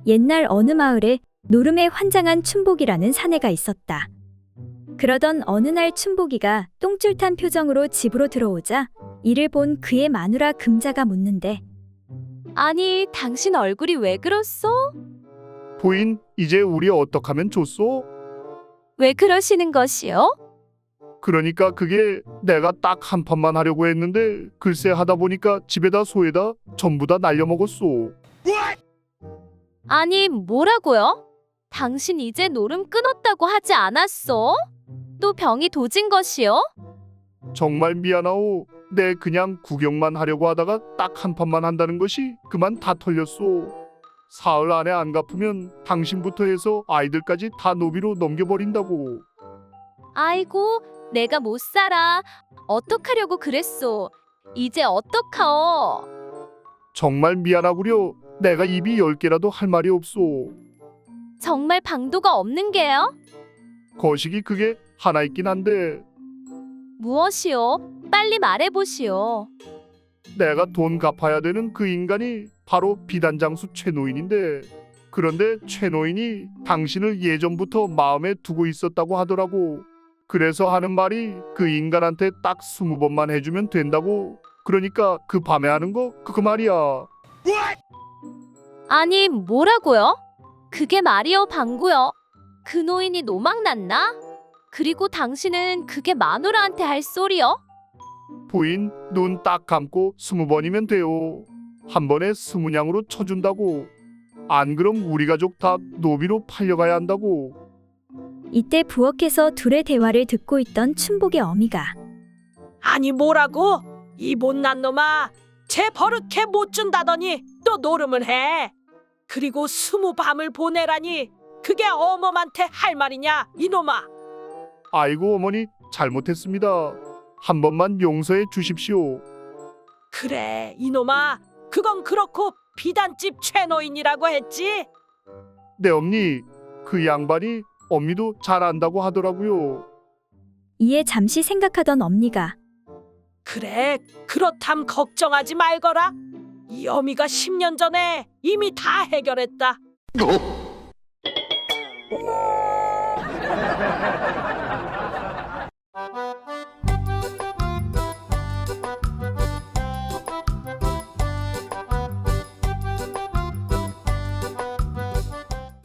옛날 어느 마을에 노름에 환장한 춘복이라는 사내가 있었다. 그러던 어느 날 춘복이가 똥줄 탄 표정으로 집으로 들어오자 이를 본 그의 마누라 금자가 묻는데 아니, 당신 얼굴이 왜 그렇소? 부인, 이제 우리 어떡하면 좋소? 왜 그러시는 것이요? 그러니까 그게 내가 딱 한 판만 하려고 했는데 글쎄 하다 보니까 집에다 소에다 전부 다 날려먹었소. 아니, 뭐라고요? 당신 이제 노름 끊었다고 하지 않았소? 또 병이 도진 것이요? 정말 미안하오. 내 그냥 구경만 하려고 하다가 딱 한 판만 한다는 것이 그만 다 털렸소. 사흘 안에 안 갚으면 당신부터 해서 아이들까지 다 노비로 넘겨버린다고. 아이고, 내가 못 살아. 어떡하려고 그랬소? 이제 어떡하오? 정말 미안하구려. 내가 입이 10개라도 할 말이 없소. 정말 방도가 없는 게요? 거식이 그게 하나 있긴 한데 무엇이요? 빨리 말해보시오. 내가 돈 갚아야 되는 그 인간이 바로 비단장수 최노인인데, 그런데 최노인이 당신을 예전부터 마음에 두고 있었다고 하더라고. 그래서 하는 말이 그 인간한테 딱 20번만 해주면 된다고. 그러니까 그 밤에 하는 거 그 말이야. 아니, 뭐라고요? 그게 말이요, 방구요. 그 노인이 노망났나? 그리고 당신은 그게 마누라한테 할 소리요? 부인, 눈 딱 감고 20번이면 돼요. 한 번에 20냥으로 쳐준다고. 안 그럼 우리 가족 다 노비로 팔려가야 한다고. 이때 부엌에서 둘의 대화를 듣고 있던 춘복의 어미가 아니 뭐라고? 이 못난 놈아, 쟤 버릇해 못 준다더니 또 노름을 해. 그리고 20밤을 보내라니 그게 어멈한테 할 말이냐 이놈아. 아이고 어머니, 잘못했습니다. 한 번만 용서해 주십시오. 그래 이놈아, 그건 그렇고 비단집 최노인이라고 했지? 네 엄니, 그 양반이 엄니도 잘 안다고 하더라고요. 이에 잠시 생각하던 엄니가 그래, 그렇담 걱정하지 말거라. 이 어미가 10년 전에 이미 다 해결했다.